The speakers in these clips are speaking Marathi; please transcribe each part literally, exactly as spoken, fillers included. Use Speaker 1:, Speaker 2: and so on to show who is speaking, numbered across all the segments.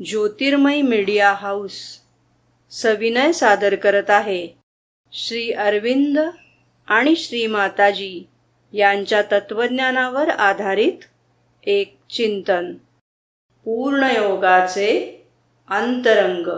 Speaker 1: ज्योतिर्मय मीडिया हाऊस सविनय सादर करत आहे श्री अरविंद आणि श्री माताजी यांच्या तत्वज्ञानावर आधारित एक चिंतन, पूर्णयोगाचे अंतरंग.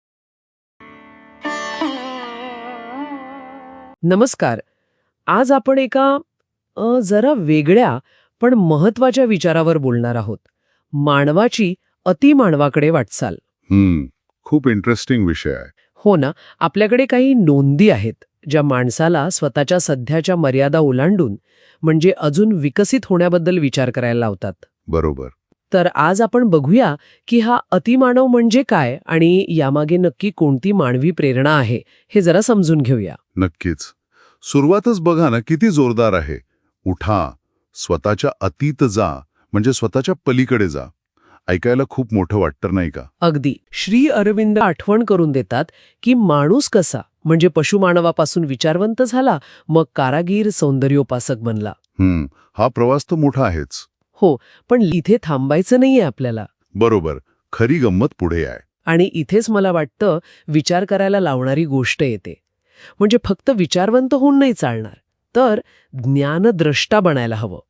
Speaker 2: नमस्कार. आज आपण एका अ, जरा वेगळ्या पण महत्वाच्या विचारावर बोलणार आहोत. मानवाची अतिमानवाकडे वाटचाल.
Speaker 3: हम्म खूप इंटरेस्टिंग विषय आहे.
Speaker 2: हो ना. आपल्याकडे काही नोंदी आहेत ज्या माणसाला स्वतःच्या सध्याच्या मर्यादा ओलांडून म्हणजे अजून विकसित होण्याबद्दल विचार करायला लावतात.
Speaker 3: बरोबर.
Speaker 2: तर आज आपण बघूया की हा अतिमानव म्हणजे काय आणि यामागे नक्की कोणती मानवी प्रेरणा आहे हे जरा समजून घेऊया.
Speaker 3: नक्कीच. सुरुवातच बघा ना, किती जोरदार आहे. उठा, स्वतःच्या अतीत जा, म्हणजे स्वतःच्या पलीकडे जा. ऐकायला खूप मोठं वाटतं नाही का?
Speaker 2: अगदी. श्री अरविंद आठवण करून देतात की माणूस कसा म्हणजे पशुमानवापासून विचारवंत झाला, मग कारागीर, सौंदर्योपासक बनला.
Speaker 3: हम्म हा प्रवास तर मोठा आहेच.
Speaker 2: हो, पण इथे थांबायचं नाहीये आपल्याला.
Speaker 3: बरोबर. खरी गंमत पुढे आहे.
Speaker 2: आणि इथेच मला वाटतं विचार करायला लावणारी गोष्ट येते. म्हणजे फक्त विचारवंत होऊन नाही चालणार, तर ज्ञानद्रष्टा बनायला हवं.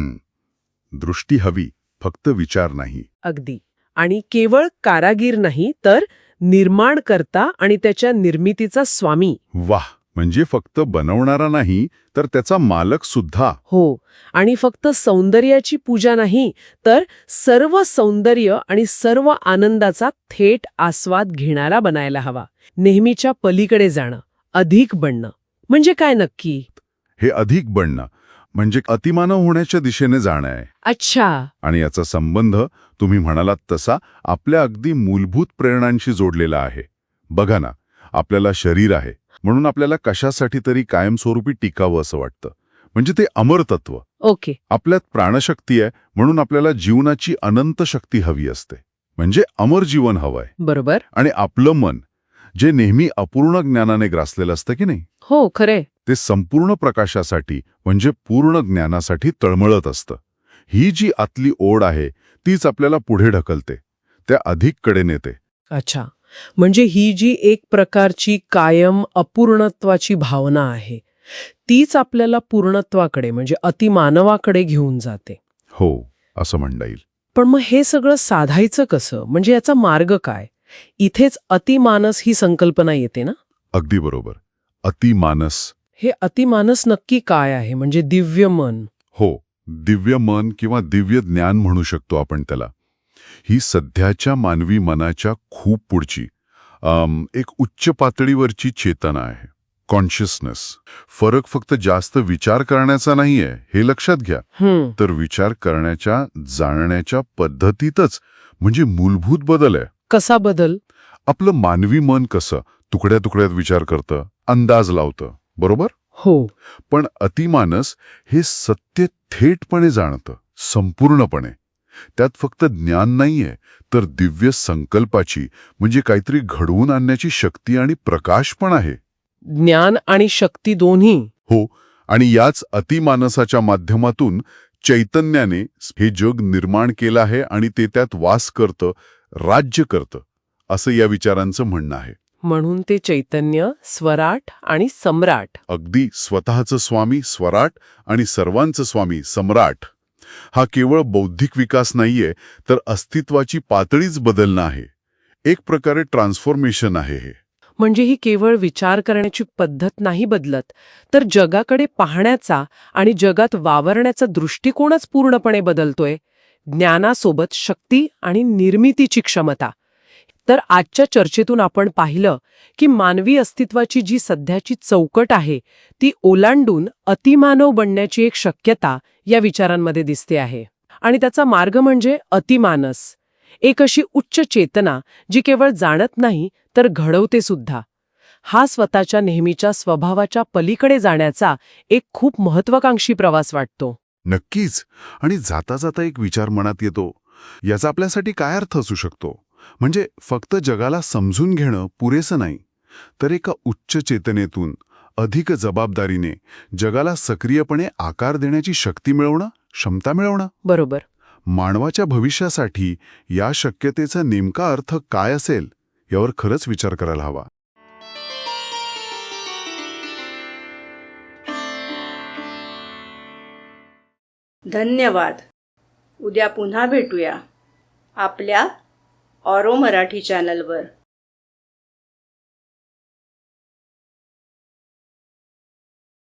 Speaker 3: हम्म दृष्टी हवी, फक्त विचार नाही.
Speaker 2: अगदी. आणि केवळ कारागीर नाही, तर निर्माणकर्ता आणि त्याच्या निर्मितीचा स्वामी.
Speaker 3: वाह. म्हणजे फक्त बनवणारा नाही, तर त्याचा मालक सुद्धा.
Speaker 2: हो. आणि फक्त सौंदर्याची पूजा नाही, तर सर्व सौंदर्य आणि सर्व आनंदाचा थेट आस्वाद घेणारा बनायला हवा. नेहमीच्या पलीकडे जाणं, अधिक बनणं. म्हणजे काय नक्की?
Speaker 3: हे अधिक बनणं म्हणजे अतिमानव होण्याच्या दिशेने जाणं आहे.
Speaker 2: अच्छा.
Speaker 3: आणि याचा संबंध तुम्ही म्हणालात तसा आपल्या अगदी मूलभूत प्रेरणांशी जोडलेला आहे. बघा ना, आपल्याला शरीर आहे म्हणून आपल्याला कशासाठी तरी कायमस्वरूपी टिकावं असं वाटतं, म्हणजे ते अमरतत्व.
Speaker 2: ओके.
Speaker 3: आपल्यात प्राणशक्ती आहे म्हणून आपल्याला जीवनाची अनंत शक्ती हवी असते, म्हणजे अमर जीवन हवंय.
Speaker 2: बरोबर.
Speaker 3: आणि आपलं मन जे नेहमी अपूर्ण ज्ञानाने ग्रासलेलं असतं की नाही,
Speaker 2: हो, खरे.
Speaker 3: ते संपूर्ण प्रकाशासाठी म्हणजे पूर्ण ज्ञानासाठी तळमळत असतं. ही जी आतली ओढ आहे तीच आपल्याला पुढे ढकलते, त्या अधिककडे नेते.
Speaker 2: अच्छा. म्हणजे ही जी एक प्रकारची कायम अपूर्णत्वाची भावना आहे, तीच आपल्याला पूर्णत्वाकडे म्हणजे अतिमानवाकडे घेऊन जाते.
Speaker 3: हो, असं म्हणता येईल.
Speaker 2: पण मग हे सगळं साधायचं कसं? म्हणजे याचा मार्ग काय? इथेच अतिमानस ही संकल्पना येते ना?
Speaker 3: अगदी बरोबर. अतिमानस.
Speaker 2: हे अतिमानस नक्की काय आहे? म्हणजे दिव्य मन.
Speaker 3: हो, दिव्य मन किंवा दिव्य ज्ञान म्हणू शकतो आपण त्याला. ही सध्याच्या मानवी मनाच्या खूप पुढची अम, एक उच्च पातळीवरची चेतना आहे. कॉन्शियसनेस. फरक फक्त जास्त विचार करण्याचा नाहीये, हे लक्षात घ्या.
Speaker 2: हम्म.
Speaker 3: तर विचार करण्याच्या, जाणण्याच्या पद्धतीतच म्हणजे मूलभूत बदल आहे.
Speaker 2: कसा बदल?
Speaker 3: आपलं मानवी मन कसं तुकड्या तुकड्यात विचार करतं, अंदाज लावतं, बरोबर?
Speaker 2: हो.
Speaker 3: पण अतिमानस हे सत्य थेटपणे जाणतं, संपूर्णपणे. त्यात फक्त ज्ञान नाहीये, तर दिव्य संकल्पाची म्हणजे काहीतरी घडवून आणण्याची शक्ती आणि प्रकाश पण आहे.
Speaker 2: ज्ञान आणि शक्ती दोन्ही.
Speaker 3: हो. आणि याच अतिमानसाच्या माध्यमातून चैतन्याने हे जग निर्माण केलं आहे आणि ते त्यात वास करतं, राज्य करतं, असं या विचारांचं म्हणणं आहे.
Speaker 2: म्हणून ते चैतन्य स्वराट आणि सम्राट.
Speaker 3: अगदी. स्वतःचं स्वामी स्वराट आणि सर्वांचं स्वामी सम्राट. हा केवळ बौद्धिक विकास नाहीये, तर अस्तित्वाची पातळीच बदलणं आहे. एक प्रकारे ट्रान्सफॉर्मेशन आहे हे.
Speaker 2: म्हणजे ही केवळ विचार करण्याची पद्धत नाही बदलत, तर जगाकडे पाहण्याचा आणि जगात वावरण्याचा दृष्टिकोनच पूर्णपणे बदलतोय. ज्ञानासोबत शक्ती आणि निर्मितीची क्षमता. तर आजच्या चर्चेतून आपण पाहिलं की मानवी अस्तित्वाची जी सध्याची चौकट आहे ती ओलांडून अतिमानव बनण्याची एक शक्यता या विचारांमध्ये दिसते आहे. आणि त्याचा मार्ग म्हणजे अतिमानस. एक अशी उच्च चेतना जी केवळ जाणत नाही तर घडवते सुद्धा. हा स्वतःच्या नेहमीच्या स्वभावाच्या पलीकडे जाण्याचा एक खूप महत्वाकांक्षी प्रवास वाटतो.
Speaker 3: नक्कीच. आणि जाता जाता एक विचार मनात येतो, याचा आपल्यासाठी काय अर्थ असू शकतो? म्हणजे फक्त जगाला समजून घेणं पुरेसं नाही, तर एका उच्च चेतनेतून अधिक जबाबदारीने जगाला सक्रियपणे आकार देण्याची शक्ती मिळवणं, क्षमता मिळवणं.
Speaker 2: बरोबर.
Speaker 3: मानवाच्या भविष्यासाठी या शक्यतेचा नेमका अर्थ काय असेल यावर खरंच विचार करायला हवा.
Speaker 1: धन्यवाद. उद्या पुन्हा भेटूया आपल्या ऑरो मराठी चॅनलवर.